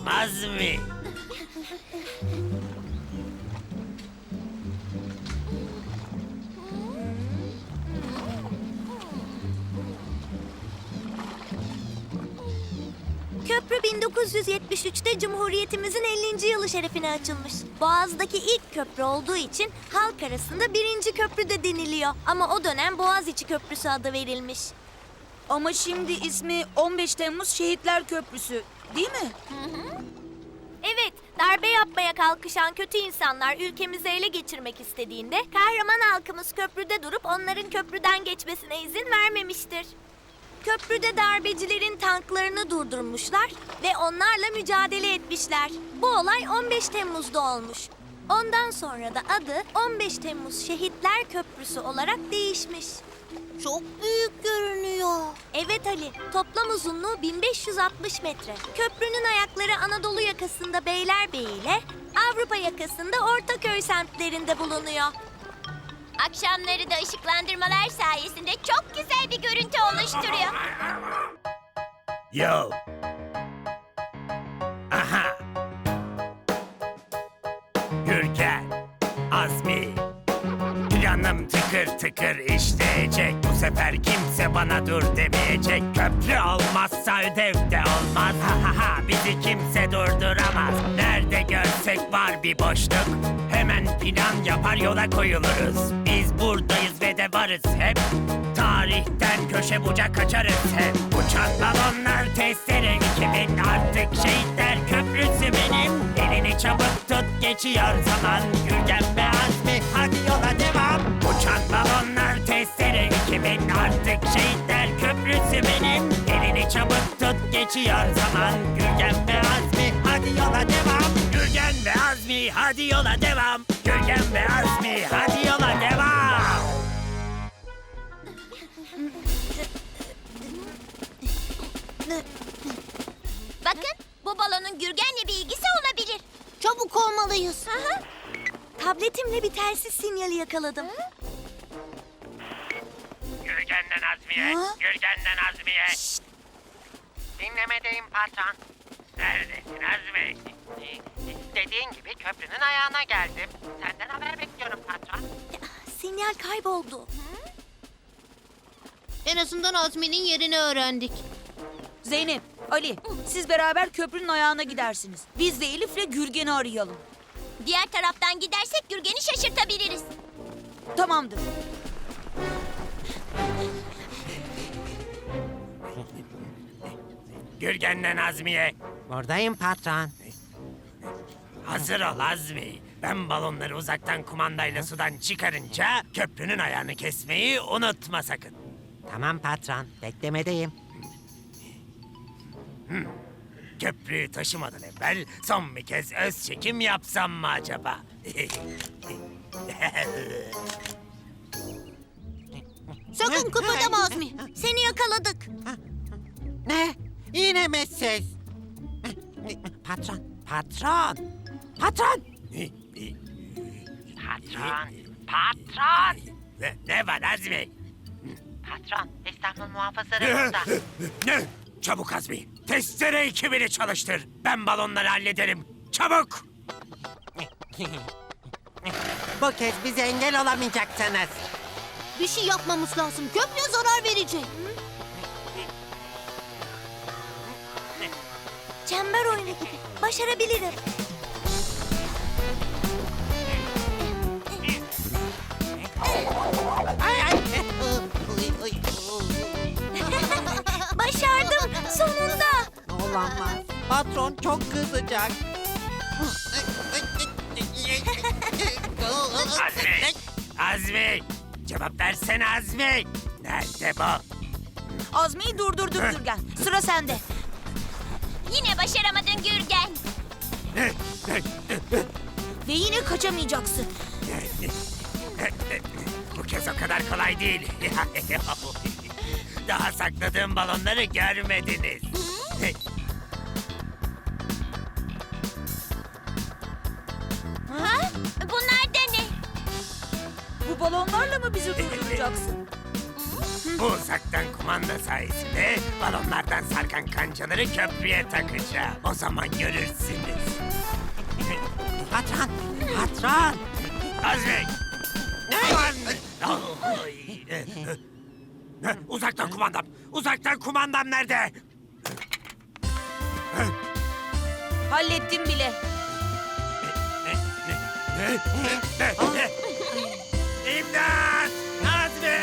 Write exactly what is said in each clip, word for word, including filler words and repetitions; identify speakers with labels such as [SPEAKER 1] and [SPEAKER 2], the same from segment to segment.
[SPEAKER 1] olmaz mı?
[SPEAKER 2] Köprü bin dokuz yüz yetmiş üçte Cumhuriyetimizin ellinci yılı şerefine açılmış. Boğaz'daki ilk köprü olduğu için halk arasında birinci köprü de deniliyor. Ama o dönem Boğaziçi Köprüsü adı verilmiş.
[SPEAKER 3] Ama şimdi ismi on beş Temmuz Şehitler Köprüsü, değil mi?
[SPEAKER 2] Evet, darbe yapmaya kalkışan kötü insanlar ülkemizi ele geçirmek istediğinde kahraman halkımız köprüde durup onların köprüden geçmesine izin vermemiştir. Köprüde darbecilerin tanklarını durdurmuşlar ve onlarla mücadele etmişler. Bu olay on beş Temmuz'da olmuş. Ondan sonra da adı on beş Temmuz Şehitler Köprüsü olarak değişmiş. Çok büyük görünüyor. Evet Ali, toplam uzunluğu bin beş yüz altmış metre. Köprünün ayakları Anadolu yakasında Beylerbeyi ile Avrupa yakasında Ortaköy semtlerinde bulunuyor.
[SPEAKER 4] Akşamları da ışıklandırmalar sayesinde çok güzel bir görüntü oluşturuyor.
[SPEAKER 1] Yo. Aha. Gürgen, Azmi. Planım tıkır tıkır işleyecek. Bu sefer kimse bana dur demeyecek. Köprü olmazsa ödev de olmaz. Ha ha ha, bizi kimse durduramaz. Nerede görsek var bir boşluk, hemen plan yapar yola koyuluruz. Biz buradayız ve de varız hep. Tarihten köşe bucak kaçarız hep. Uçan balonlar testere iki bin, artık Şehitler Köprüsü benim. Elini çabuk tut, geçiyor zaman. Gürgen ve Azmi, hadi yola devam. Uçan balonlar testere iki bin, artık Şehitler Köprüsü benim. Elini çabuk tut, geçiyor zaman. Gürgen ve Azmi, hadi yola devam. Gürgen ve Azmi, hadi yola devam. Gürgen ve Azmi, hadi yola devam.
[SPEAKER 4] Bakın, bu balonun Gürgen'le bir ilgisi olabilir.
[SPEAKER 2] Çabuk olmalıyız. Tabletimle bir telsiz sinyali yakaladım.
[SPEAKER 1] Gürgen'den Azmi'ye, Gürgen'den Azmi'ye.
[SPEAKER 5] Dinlemedeyim patron.
[SPEAKER 1] Neredesin Azmi?
[SPEAKER 5] Dediğin gibi köprünün ayağına geldim. Senden haber bekliyorum patron.
[SPEAKER 2] Sinyal kayboldu.
[SPEAKER 6] En azından Azmi'nin yerini öğrendik.
[SPEAKER 3] Zeynep, Ali, siz beraber köprünün ayağına gidersiniz. Biz de Elif'le Gürgen'i arayalım.
[SPEAKER 4] Diğer taraftan gidersek Gürgen'i şaşırtabiliriz.
[SPEAKER 3] Tamamdır.
[SPEAKER 1] Gürgen'den Azmi'ye.
[SPEAKER 5] Buradayım patron.
[SPEAKER 1] Hazır ol Azmi. Ben balonları uzaktan kumandayla sudan çıkarınca köprünün ayağını kesmeyi unutma sakın.
[SPEAKER 5] Tamam patron, beklemedeyim.
[SPEAKER 1] Köprüyü taşımadan evvel son bir kez öz çekim yapsam mı acaba?
[SPEAKER 2] Sakın kıpırdama Azmi. Seni yakaladık.
[SPEAKER 5] Ne? Yine mi siz? Patron, patron, patron. Patron, patron.
[SPEAKER 1] Ne, ne var Azmi?
[SPEAKER 5] Patron, İstanbul muhafızları burada.
[SPEAKER 1] Ne? Çabuk Azmi. Testere ekibini çalıştır. Ben balonları hallederim. Çabuk.
[SPEAKER 5] Bu kez bize engel olamayacaksınız.
[SPEAKER 2] Bir şey yapmamız lazım. Köprüye zarar verecek. Çember oyunu gibi. Başarabilirim.
[SPEAKER 5] Ay, ay.
[SPEAKER 2] Başardım sonunda.
[SPEAKER 5] Olamaz. Patron çok kızacak.
[SPEAKER 1] Azmi. Azmi. Cevap versene Azmi. Nerede bu?
[SPEAKER 3] Azmi'yi durdurduk Gürgen. Sıra sende.
[SPEAKER 4] Yine başaramadın Gürgen.
[SPEAKER 3] Ve yine kaçamayacaksın.
[SPEAKER 1] Bu kez o kadar kolay değil. Daha sakladığım balonları görmediniz.
[SPEAKER 4] Ha? Bunlar da ne?
[SPEAKER 3] Bu balonlarla mı bizi durduracaksın?
[SPEAKER 4] Hı?
[SPEAKER 1] Bu uzaktan kumanda sayesinde balonlardan sarkan kancaları köprüye takacağım. O zaman görürsünüz.
[SPEAKER 5] Patron, patron.
[SPEAKER 1] Azmi! Aman! Ay! Uzaktan kumandam! Uzaktan kumandam nerede?
[SPEAKER 3] Hallettim bile.
[SPEAKER 1] İmdat! Azmi!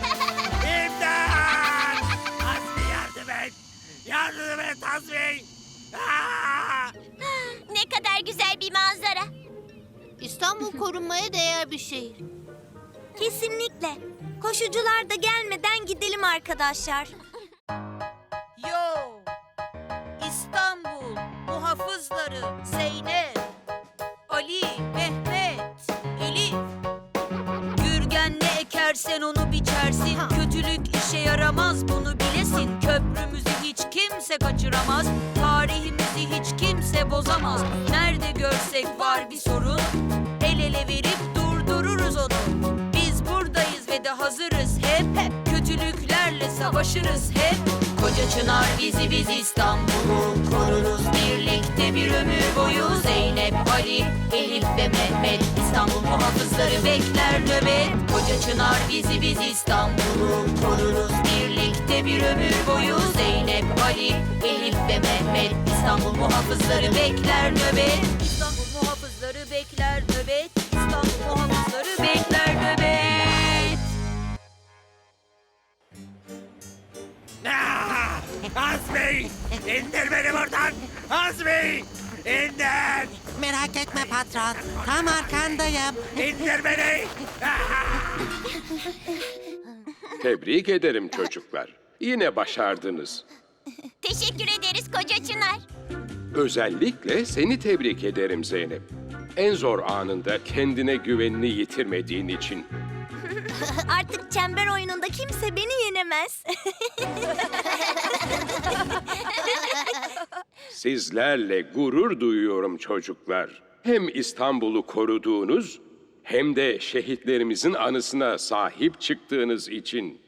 [SPEAKER 1] İmdat! Azmi yardım et! Yardım et Azmi! Aa!
[SPEAKER 4] Ne kadar güzel bir manzara.
[SPEAKER 6] İstanbul korunmaya değer bir şehir.
[SPEAKER 2] Kesinlikle. Koşucular da gelmeden gidelim arkadaşlar.
[SPEAKER 3] Yo! İstanbul muhafızları Zeynep, Ali, Mehmet, Elif. Gürgen ne ekersen onu biçersin. Kötülük işe yaramaz bunu bilesin. Köprümüzü hiç kimse kaçıramaz. Tarihimizi hiç kimse bozamaz. Nerede görsek var bir sorun, el ele verip durdururuz onu. Biz buradayız ve de hazırız hep, hep. Kötülüklerle savaşırız hep. Koca Çınar bizi biz İstanbul'u koruruz birlikte bir ömür boyu. Zeynep, Ali, Elif ve Mehmet İstanbul muhafızları bekler nöbet. Koca Çınar bizi biz İstanbul'u koruruz birlikte bir ömür boyu. Zeynep, Ali, Elif ve Mehmet İstanbul muhafızları bekler nöbet. İstanbul muhafızları bekler nöbet. İstanbul muhafızları bekler nöbet.
[SPEAKER 1] Ah! Azmi! İndir beni buradan! Azmi! İndir!
[SPEAKER 5] Merak etme patron, tam arkandayım.
[SPEAKER 1] İndir beni! Ah!
[SPEAKER 7] Tebrik ederim çocuklar. Yine başardınız.
[SPEAKER 4] Teşekkür ederiz Koca Çınar.
[SPEAKER 7] Özellikle seni tebrik ederim Zeynep. En zor anında kendine güvenini yitirmediğin için.
[SPEAKER 2] Artık çember oyununda kimse beni yenemez.
[SPEAKER 7] Sizlerle gurur duyuyorum çocuklar. Hem İstanbul'u koruduğunuz hem de şehitlerimizin anısına sahip çıktığınız için.